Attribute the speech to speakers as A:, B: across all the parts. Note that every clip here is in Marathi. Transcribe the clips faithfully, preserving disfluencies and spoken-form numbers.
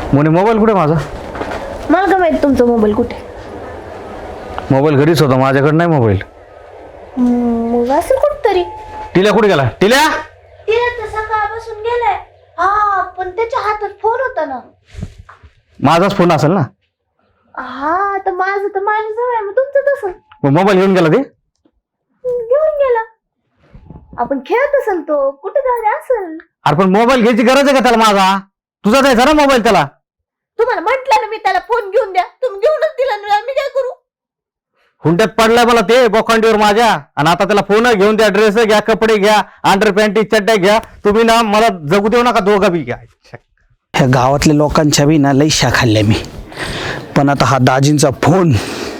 A: मोने मोबाईल कुठे माझा?
B: मला काय माहित तुमचा मोबाईल कुठे?
A: मोबाईल घरीच होता, माझ्याकडे नाही मोबाईल.
B: मग असेल कुठतरी.
A: टिल्या कुठे गेला? टिल्या
B: तिला तर सकाळपासून गेलाय. हा पण त्याच्या हातात फोन होता ना.
A: माझाच फोन असेल ना.
B: हा तर माझं तर माझ्या जवळ आहे, मग तुमचं तसं
A: मोबाईल घेऊन गेला ते.
B: घेऊन गेला. आपण खेळत असेल तो कुठे जाऊ असेल.
A: अरे पण मोबाईल घ्यायची गरज आहे का त्याला? माझा तुझा द्यायचा ना मोबाईल त्याला.
B: तुम्हाला म्हटलं ना मी त्याला फोन घेऊन द्या, तुम्ही घेऊनच दिला ना, मी काय करू?
A: हुंड्यात पडलाय मला ते बोखांडीवर माझ्या. आणि आता त्याला फोन घेऊन द्या, ड्रेस घ्या, कपडे घ्या, अंडर पॅन्टी चड्ड्या घ्या. तुम्ही ना मला जगू देऊ नका दोघं बी. घ्या
C: ह्या गावातल्या लोकांच्या बी ना लई शा खाल्ल्या मी. पण आता हा दाजींचा फोन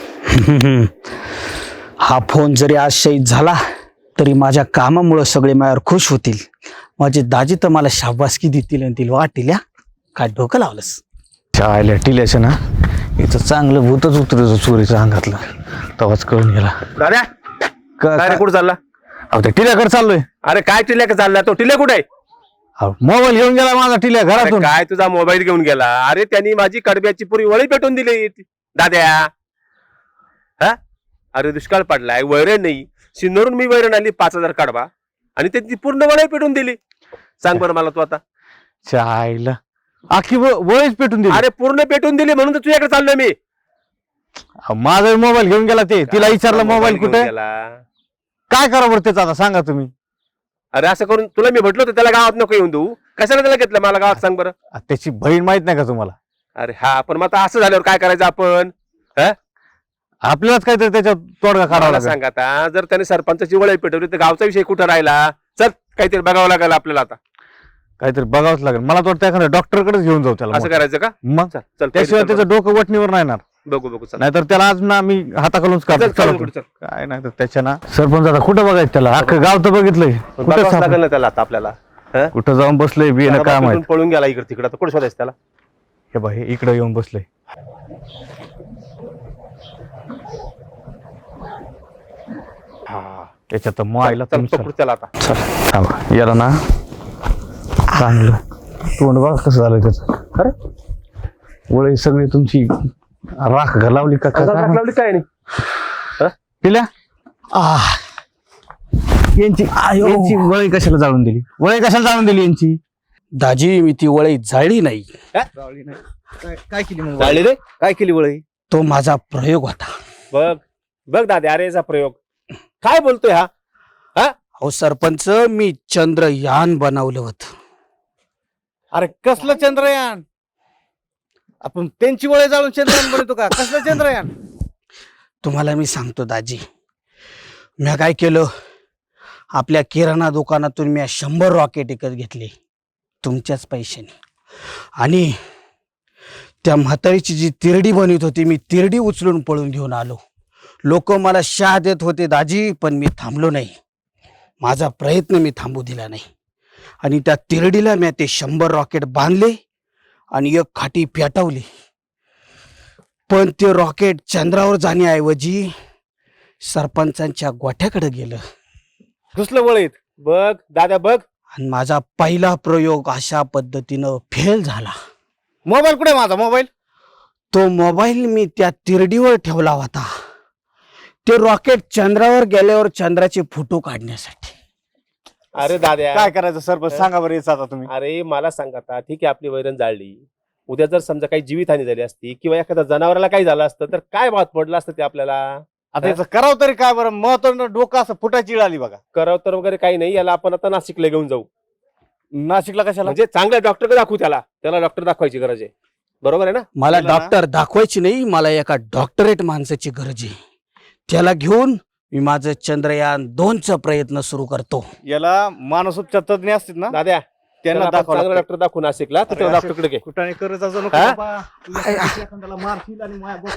C: हा फोन जरी आज शहीद झाला तरी माझ्या कामामुळे सगळे माझ्यावर खुश होतील. माझे दाजी तर मला शाबासकी देतील आणि तिला वाटेल या काय डोकं लावलंस.
A: चायला टिल्याचं ना इथं चांगलं भूतच उतरत चोरीचं अंगातलं. तवाच कळून गेला.
D: दादा काय रे, कुठं चालला?
A: अहो त्या टिल्याकडे चाललोय.
D: अरे काय टिल्या का चालला? तो टिल्या कुठे आहे?
A: मोबाईल घेऊन गेला माझा टिल्या
D: अरे
A: घरातून.
D: काय तुझा मोबाईल घेऊन गेला? अरे त्यांनी माझी कडब्याची पुरी वळी पेटून दिली दाद्या. हा अरे दुष्काळ पडलाय, वैरण नाही. सिन्नरून मी वैरण आणली पाच हजार कडबा आणि त्यांची पूर्ण वळी पेटून दिली. सांग बरं मला तू आता.
A: चायला आखी वळीच पेटून दिली.
D: अरे पूर्ण पेटून दिली म्हणून तर तुझ्याकडे चाललोय मी.
A: माझा मोबाईल घेऊन गेला ते. तिला विचारलं मोबाईल कुठे, काय करा बरं त्याचं आता सांगा तुम्ही.
D: अरे असं करून तुला मी म्हटलं होतं त्याला गावात नको येऊन देऊ. कशाला त्याला घेतलं मला गावात? सांग बरं.
A: त्याची बहीण माहित नाही का तुम्हाला?
D: अरे हा पण मग आता असं झाल्यावर काय करायचं आपण?
A: आपल्यालाच काहीतरी त्याच्यात तोडगा काढावा
D: मला
A: लागेल.
D: सांग आता, जर त्याने सरपंचाची वळी पेटवली तर गावचा विषय कुठं राहिला? चल काहीतरी बघावं लागेल आपल्याला आता.
A: काहीतरी बघावंच लागेल. मला तर वाटतं एखाद्या डॉक्टरकडेच घेऊन जाऊ त्याला.
D: असं करायचं का?
A: मग
D: चल चल
A: त्याशिवाय
D: चल,
A: त्याचं डोकं वटणीवर नाही येणार.
D: बघू बघू चल.
A: नाहीतर त्याला आज ना मी हाताखालूनच
D: चल,
A: काढतो.
D: चल,
A: चला
D: पुढे चल.
A: काय नाही तर त्याच्या ना सरपंच आता कुठं बघायचं त्याला? अख्खं गाव तर बघितलंय. कुठं
D: बघावंच
A: सापड-
D: लागेल ना त्याला आता आपल्याला. हं?
A: कुठं जाऊन बसलंय बी ना काय
D: घराबाहेरून
A: माहित.
D: पळून गेला इकडे तिकडे, तर कुठे शोधायचं त्याला?
A: हे बघ इकडे येऊन बसलंय.
D: हा
A: त्याच्यात तर मायला
D: चल
A: तुमचं-
D: पकडू त्याला आता.
A: थांबा. याला ना चांगलं तोंड बघा कसं झालंय त्याचं.
D: अरे
A: वळी सगळी तुमची राख घालावली का काय
D: हातात
A: माहित.
D: लावली काय नाही?
A: पिल्या
C: आह
A: यांची
C: आयो.
A: यांची वळी कशाला जाळून दिली? वळी कशाला जाळून दिली यांची?
C: दाजी मी ती वळी जाळली नाही.
A: काय केली
D: जाळली रे?
A: काय केली वळी?
C: तो माझा प्रयोग होता.
D: बघ बघ दादा, अरे याचा प्रयोग काय बोलतोय हा?
C: अहो सरपंच, मी चंद्रयान बनवलं होतं.
E: अरे कसलं चंद्रयान? आपण त्यांची वळे जाळून चंद्रयान बनवतो का? कसलं चंद्रयान?
C: तुम्हाला मी सांगतो दाजी, मी काय केलं, आपल्या किराणा दुकानातून मी शंभर रॉकेट विकत घेतले तुमच्याच पैशाने. आणि त्या म्हातारीची जी तिरडी बनवत होती, मी तिरडी उचलून पळून घेऊन आलो. लोक मला शाह देत होते दाजी, पण मी थांबलो नाही. माझा प्रयत्न मी थांबू दिला नाही. आणि त्या तिरडीला मी ते शंभर रॉकेट बांधले आणि एक खाटी पेटवली. पण ते रॉकेट चंद्रावर जाण्याऐवजी सरपंचांच्या गोठ्याकडे गेलं.
E: घुसलं वळीत.
D: बघ दादा बघ.
C: आणि माझा पहिला प्रयोग अशा पद्धतीनं फेल झाला.
E: मोबाईल कुठे माझा मोबाईल?
C: तो मोबाईल मी त्या तिरडीवर ठेवला होता, ते रॉकेट चंद्रावर गेल्यावर चंद्राचे फोटो काढण्यासाठी.
D: अरे दाद्या
E: काय करायचं सरपंच सांगा बरं याचं आता तुम्ही.
D: अरे मला सांग आता, ठीक आहे आपली वैरण जाळली, उद्या जर समजा काही जीवितहानी झाली असती किंवा एखाद्या जनावराला काही झालं असतं तर काय बात पडलं असतं ते आपल्याला?
E: आता याचं करावं तरी काय बरं? महत्वाचं डोकं असं फुटाची इळ आली बघा.
D: करावं तर वगैरे काही नाही. याला आपण आता नाशिकला घेऊन जाऊ.
E: नाशिकला कशाला?
D: म्हणजे चांगल्या डॉक्टरकडे दाखवू त्याला. त्याला डॉक्टर दाखवायची गरज आहे. बरोबर आहे ना?
C: मला
E: केलं ना?
C: डॉक्टर दाखवायची नाही, मला एका डॉक्टरेट माणसाची गरज आहे. त्याला घेऊन मी माझं चंद्रयान दोनचा प्रयत्न सुरू करतो.
E: याला मानसोपचार तज्ञ असतील ना,
D: दाद्या
E: त्यांना
D: त्याला आपण
E: दाखवा.
D: चांगला डॉक्टर दाखवू नाशिकला, तर त्याला डॉक्टरकडे घे.
E: कुठे करत असं नको
D: हा?
E: बाबा. तुला एखाद्याला मारशील आणि माया-